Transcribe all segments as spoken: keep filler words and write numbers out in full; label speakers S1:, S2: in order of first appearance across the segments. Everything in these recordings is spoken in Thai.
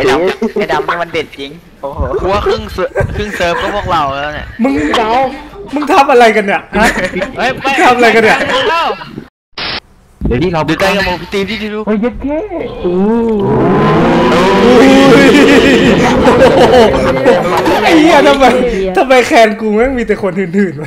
S1: ดำไอ้ดำนี่มันเด็ดจริงโอ้โหกูว่าครึ่งครึ่งเซิร์ฟก็พวกเราแล้วเนี่ย
S2: มึงเดามึงทำอะไรกันเนี่ยฮะทำอะไรกันเนี่ย
S3: เดี๋ยวนี้เรา
S1: ดูใกล้กับโมพิตีที่ดู
S3: เฮ้ยเย็ดแค่
S2: ไอ้เหี้ยทำไมทำไมแคนกูแม่งมีแต่คนหื่นๆวะ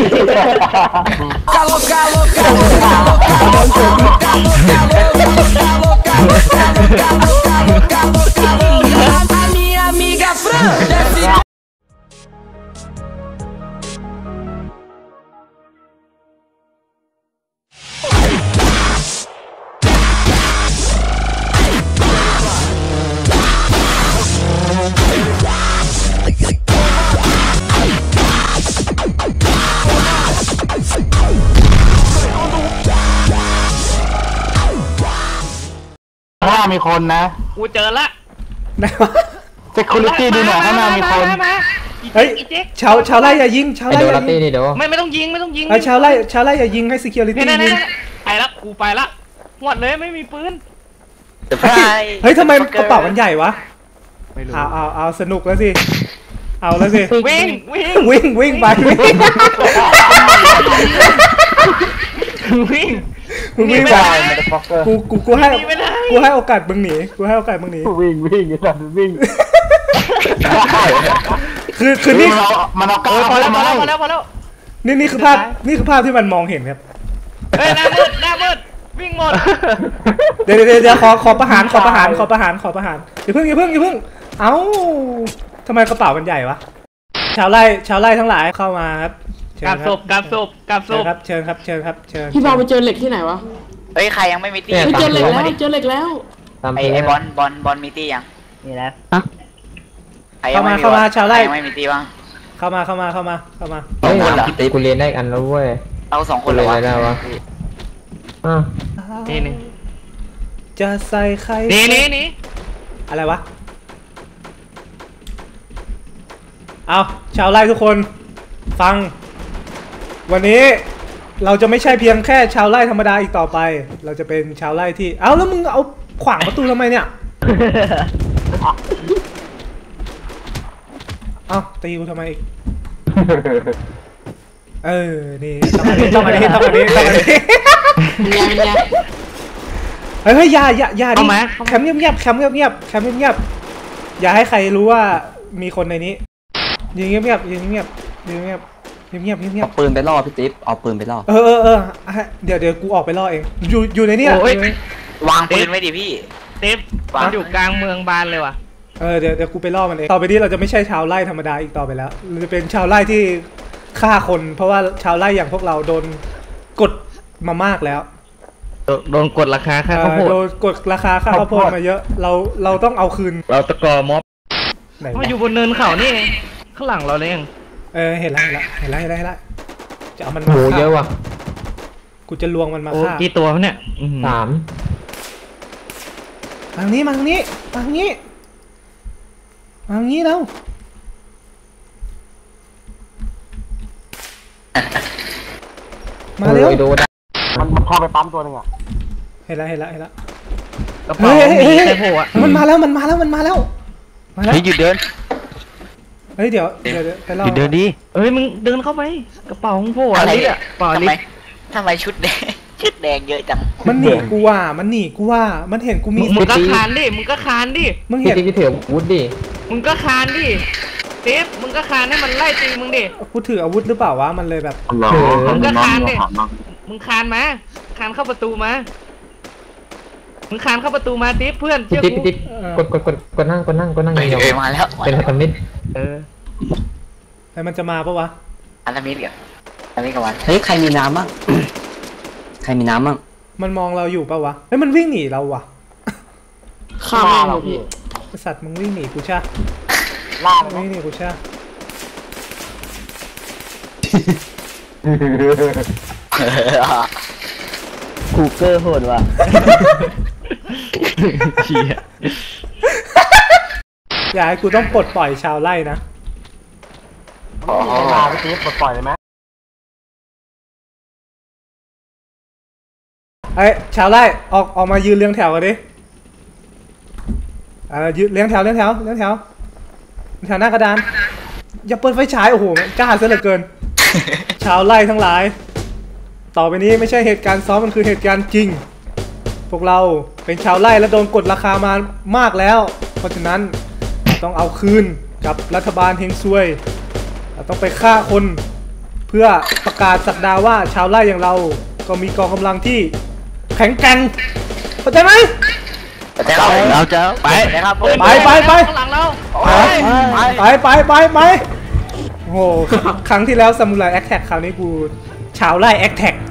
S3: ข้างหน้ามีคนนะ
S4: กูเจอละ
S3: เซ็กคูริตี้ดูหน่อยข้างหน้ามีคน
S2: เฮ้ยชาวชาวไร่อย่ายิงชาวไร่อย่ายิง
S4: ไม่ไม่ต้องยิงไม่ต้องยิง
S2: ชาวไร่ชาวไร่อย่ายิงให้ security ยิง
S4: ไปละกูไปละหมดเลยไม่มีปืน
S2: เฮ้ยทำไมกระเป๋ามันใหญ่วะเอาเอาเอาสนุกแล้วสิเอาแล้วสิ
S4: วิ่งวิ่ง
S2: วิ่งวิ่งไป
S4: วิ่ง
S2: มึงวิ่งไปกูกูกูให้กูให้โอกาสมึงหนีกูให้โอกาสมึงหนี
S3: วิ่งวิ่งไอ้สัตว์วิ่ง
S2: คือคือนี่
S3: มันเอาก้าว
S4: พอแล้วพอแล้วพอแล้วพอแล้ว
S2: นี่นี่คือภาพนี่คือภาพที่มันมองเห็นครับ
S4: เฮ้ยหน้ามืดหน้ามืดวิ่งหมด
S2: เดี๋ยวเดี๋ยวเดี๋ยวขอขอประหารขอประหารขอประหารขอประหารอย่าเพิ่งอย่าเพิ่งอย่าเพิ่งเอ้าทำไมกระเป๋ามันใหญ่วะชาวไร่ชาวไร่ทั้งหลายเข้ามาครับ
S4: กับศพกับศพกับศพ
S2: ครับเชิญครับเชิญครับเชิญ
S5: พี่บอลไปเจอเหล็กที่ไหนวะ
S1: เฮ้ยใครยังไม่มีตี้
S5: เจอเหล็กแล้วเจอเหล็กแล้ว
S1: ไอ้ไอ้บอลบอลบอลมีตี้ยัง
S4: มีแล้ว
S2: เข้ามาเข้ามาชาวไร่
S1: ยังไม่มีตี้บ้าง
S2: เข้ามาเข้ามาเข้ามาเข้ามา
S3: เฮ้ยกูเรียนได้อันแล้วเว้ย
S1: เราสองคนเลย
S3: ได้วะอ่ะ
S4: นี่นี่
S2: จะใส่ใคร
S4: นี่นี่นี่
S2: อะไรวะเอาชาวไร่ทุกคนฟังวันนี้เราจะไม่ใช่เพียงแค่ชาวไร่ธรรมดาอีกต่อไปเราจะเป็นชาวไร่ที่เอาแล้วมึงเอาขวางประตูทำไมเนี่ยเอาตีกูทำไมอีกเออนี่ต้องมาดิต้องมาดิต้องมาดิต้องมาดิเฮ้ยอย่าอย่าอย่าดิแคมป์เงียบๆแคมป์เงียบๆแคมป์เงียบๆอย่าให้ใครรู้ว่ามีคนในนี้ยืนเงียบๆยืนเงียบๆยืนเงียบเงียบเงียบเงียบ
S6: เอาปืนไปล่อพี่ติ๊บเอาปืนไปล่อ
S2: เออเออเออเดี๋ยวเดี๋ยวกูออกไปล่อเองอยู่อยู่ในนี้
S1: วางปืนไว้ดิพี่
S4: เต็มมันอยู่กลางเมืองบานเลยว่ะ
S2: เออเดี๋ยวเดี๋ยวกูไปล่อมันเองต่อไปนี้เราจะไม่ใช่ชาวไร่ธรรมดาอีกต่อไปแล้วเราจะเป็นชาวไร่ที่ฆ่าคนเพราะว่าชาวไร่อย่างพวกเราโดนกดมามากแล้ว
S4: โดนกดราคาค่าข้าวโพด
S2: โดนกดราคาค่าข้าวโพดมาเยอะเราเราต้องเอาคืน
S4: เราตะกอม็อบมาอยู่บนเนินเขานี่ข้างหลังเราเลยเอง
S2: เออเห็นแล้วเห็นแล้วเห็นแล้วเห็นแล้วจะเอามัน
S3: มาโหเยอะว่ะ
S2: กูจะลวงมันมาฆ่า
S4: กี่ตัวเนี่ย
S3: สาม
S2: ทางนี้มาทางนี้มาทางนี้มาทางนี้แล้วมาเร็ว
S3: มันมันเข้าไปปั๊มตัวนึงอ่ะ
S2: เห็นแล้วเห็นแล้วเห็นแล้ว
S4: เฮ้ยเฮ้ย
S2: มันมาแล้วมันมาแล้วมันมาแล้ว
S1: มาแล้วหยุดเดิน
S2: เฮ้ยเดี๋ยวเดี๋ยวไปรอ
S4: เดินดีเฮ้ยมึงเดินเข้าไปกระเป๋าของโผล่อะไรอ่ะ
S1: ทำไมทำไมชุดแดงชุดแดงเยอะจัง
S2: มันหนีกูว่ามันหนีกูว่ามันเห็นกูมี
S4: มึงก็คานดิมึงก็คานดิ
S2: มึงเห็น
S3: กูถืออาวุธดิ
S4: มึงก็คานดิเซฟมึงก็คานให้มันไล่ตีมึงดิ
S2: กูถืออาวุธหรือเปล่าวะมันเลยแบบ
S4: มึงก็คานดิมึงคานมาคานเข้าประตูมามึงคานเข้าประตูมาติ๊บเพื่อนเชื่อกู
S3: กดกดกดกดนั่งกดนั่งกดนั่ง
S1: เออมาแล้ว
S3: เป็นพันธมิตร
S4: เออ
S2: ไอ้มันจะมาปะวะ
S1: พันธมิตรเหรอพันธมิตรกับวัน
S6: เฮ้ยใครมีน้ำบ้างใครมีน้ำบ้าง
S2: มันมองเราอยู่ปะวะเฮ้ยมันวิ่งหนีเราวะ
S5: ฆ่าเราพี่
S2: สัตว์มึงวิ่งหนีกูใช่
S6: ล่า
S2: วิ่งหนีกูใช่
S6: คูเกอร์โหดว่ะ
S2: อย่าให้กูต้องปลดปล่อยชาวไร่นะ
S3: ลาไปทีปลดปล่อยเลยไหม
S2: ไอ้ชาวไร่ออกออกมายืนเรียงแถวกันดิเออยืนเลี้ยงแถวเลี้ยงแถวเลี้ยงแถวเลี้ยงแถวหน้ากระดานอย่าเปิดไฟฉายโอ้โหกล้าซะเหลือเกิน ชาวไร่ทั้งหลาย ต่อไปนี้ไม่ใช่เหตุการณ์ซ้อมมันคือเหตุการณ์จริง พวกเราเป็นชาวไร่และโดนกดราคามามากแล้ว เพราะฉะนั้นต้องเอาคืนกับรัฐบาลเฮงซวยเราต้องไปฆ่าคนเพื่อประกาศสักดาว่าชาวไร่อย่างเราก็มีกองกำลังที่แข็งแกร่งเข้าใจไหม
S1: แต่เราเราจะไปนะครับ
S2: ไปไปไป
S4: ข้างหลังเรา
S2: ไปไปไปไปโอ้โหครั้งที่แล้วซามูไรแอคแท็กคราวนี้กูชาวไร่แอคแท็ก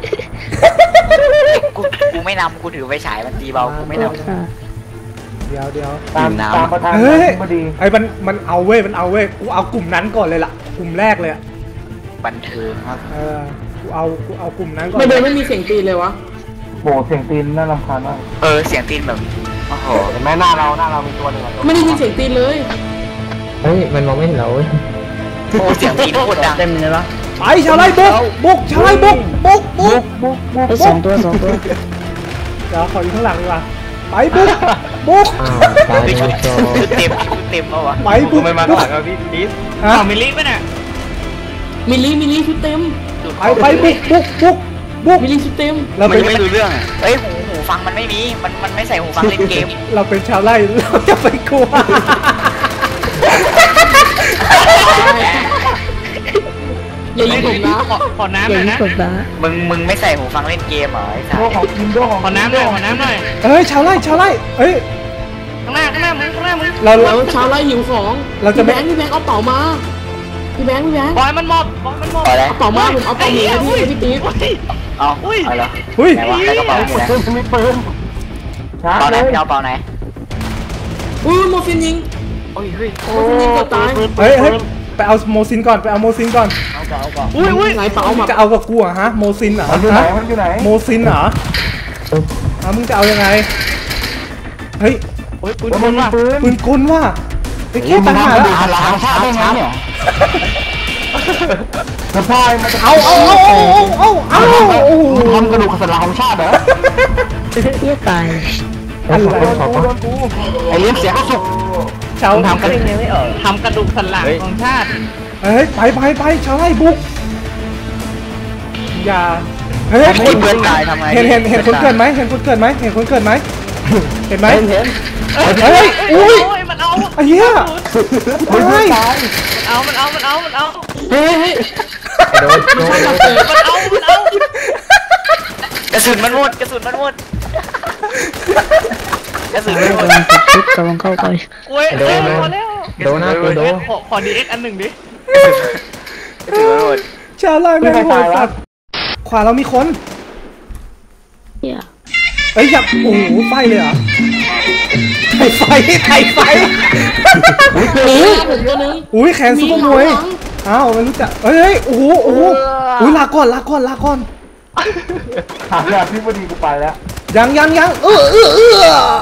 S1: กูกูไม่นำกูถือไฟฉายมันตีเบากูไม่นำ
S2: เดี๋ยวเดี๋ยว
S3: ตามตามประธาน
S2: เฮ้ย
S3: พอดี
S2: ไอ้มันมันเอาเว้ยมันเอาเว้ยกูเอากลุ่มนั้นก่อนเลยล่ะกลุ่มแรกเลยอะ
S1: บันเทิงครับ
S2: เออกูเอากูเอากลุ่มนั้นก่อน
S5: ไม่เดินไม่มีเสียงตีนเลยวะ
S3: โหเสียงตีนน่ารำคาญมาก
S1: เออเสียงตีนแบบโอ้โห
S3: เห็นไหมหน้าเราหน้าเรามีตัวหนึ่งอะ
S5: ไม่ได้ยินเสียงตีนเลย
S6: เฮ้ยมันมองไม่เห็นเราเว้ย
S1: โอ้เสียงตีนโคตรดัง
S6: เต็มเลยปะ
S2: ไปชาวไร่บุกบุกชาวไร่บุกบุกบุก
S3: บุ๊กบุ๊ก
S6: สองตัวสองตัว
S2: เดี๋ยวขออยู่ข้างหลังดีกว่าไปบุกบุก
S6: ตาย
S1: คือ
S6: เล
S1: ชุด
S6: ยโจ
S1: ชุดเต็มชุดเต็มแล้ววะ
S2: ไปบุก
S1: ไม่มาข้างหลังครับพี่ดิส
S2: ฮะ
S4: เอามิลลิป่ะเนี่ย
S5: มิลลี่มิลลี่ชุดเต็ม
S2: ไปไปบุกบุกบุกบุก
S5: มิลลี่ชุดเต็ม
S2: เรา
S1: มัน
S2: เป็น
S1: ยังไม่รู้เรื่องอ่ะเอ้ยหูหูฟังมันไม่มีมันมันไม่ใส่หูฟังเล่นเกม
S2: เราเป็นชาวไร่เราจะไปกลัว
S5: อย่ายิงผมนะ
S4: ขอขอน้ำหน่อยนะ
S1: มึงมึงไม่ใส่หูฟังเล่นเกมเหรอไอ้สัส
S3: ตัวของกินตัวของ
S4: ขอน้ำหน่อยขอน้ำหน่อย
S2: เอ้ยชาวไร่ชาวไร่เอ้ย
S4: ข้างหน้าข้างหน้ามึงข้างหน้ามึง
S2: เรา
S5: แล้วชาวไร่หิวของ
S2: เราจะ
S5: พี่
S2: ไม่
S5: แบงค์พี่แบงค์เอาเป๋ามาพี่แบงค์พี่แบงค์
S4: บอยมันหมอบบอยมันหมอบ
S1: พอแล้ว
S5: เอาเป๋ามาผมเอาเป๋าหมีให้พี่พี่ติ๊บ
S1: เอาเอาเหรอ
S2: อุ้ย
S1: ไหนวะใส่กระเป๋าอยู่ไหน
S3: ปืนมีปืนชาร์
S1: เป๋า
S3: จ
S1: ไหน
S3: เลย
S1: พี่เอาเป๋าไหน
S5: อุ้ยโมฟินยิง
S1: โอ้ยเฮ้ย
S5: โมฟินยิงก็ตาย
S2: เฮ้ยเฮ้ยไปเอาโมซินก่อนไปเอาโมซินก่อน
S1: เอาเป๋าเอาเป๋า
S5: อุ้ยอุ้ยไหนเป๋ามา
S2: จะเอากับกูเหรอะฮะโมซินเหรอ
S3: มันอยู่ไหน
S2: ฮะ
S3: มันอยู่ไหน
S2: โมซินเหรอฮะมึงจะเอายังไงเฮ้ย
S4: โอ้ยปืน
S3: แล้ว
S4: ค
S3: มัน
S4: น
S3: มี
S4: ว่ะ
S3: ปืน
S2: ปืนกลว่ะไอ้แค่ปัญหาแล้ว
S3: หลังชาติได้ไงเนี่ยสะพายมันจะ
S2: เอาเอาเอาเอาเอาเอาเอาโอ้โห
S3: ทำกระดูกสันหลังของชาติเหรอ
S2: อะไร
S3: โดนกูโดนกูไอเลี้ยงเสียก็สุก
S2: ชาว
S4: ทำกระดูกทำกระดูกสันหลังของชาติ
S2: เฮ้ยไปไปไปชาวไร่บุกอย่าเฮ้ย
S1: คนเพื่อนตายทำไง
S2: เห็นเห็นเห็นคนเกิดไหมเห็นคนเกิดไหมเห็นคนเกิดไหมเห็นไหม
S6: เห็น
S2: เฮ้ยอุ้ย
S4: โอ้ยมันเอา
S2: ไอ้เหี้ยตาย
S4: มันเอามันเอามันเอามันเอา
S5: เฮ้ยเฮ้ย
S6: โดนโดน
S4: มันเอามันเอา
S1: กระสุนมันหมดกระสุนมันหมดกระสุนมันหมด
S6: กำลังเข้าไป
S4: โอ้ย
S6: โดน
S4: พอแล้ว
S6: โดนนะกูโดน
S4: ขอขอดีเอ็กอันหนึ่งดิ
S1: กระสุนมันหมด
S2: ชาวไร่แม่งโหดสัตว์ขวาเรามีคนเอ้ยอย่าโอ้โหไฟเลยเหรอไทยไฟไทยไฟ
S5: หนีผมตัวนึง
S2: อุ้ยแขนซุปเปอร์มวยอ้าวไม่รู้จักเฮ้ยโอ้โหโอ้โหอุ้ยลาก่อนลาก่อนลาก่อน
S3: หาญาติพี่พอดีกูไปแล้ว
S2: ยังยังยังเออเออเออ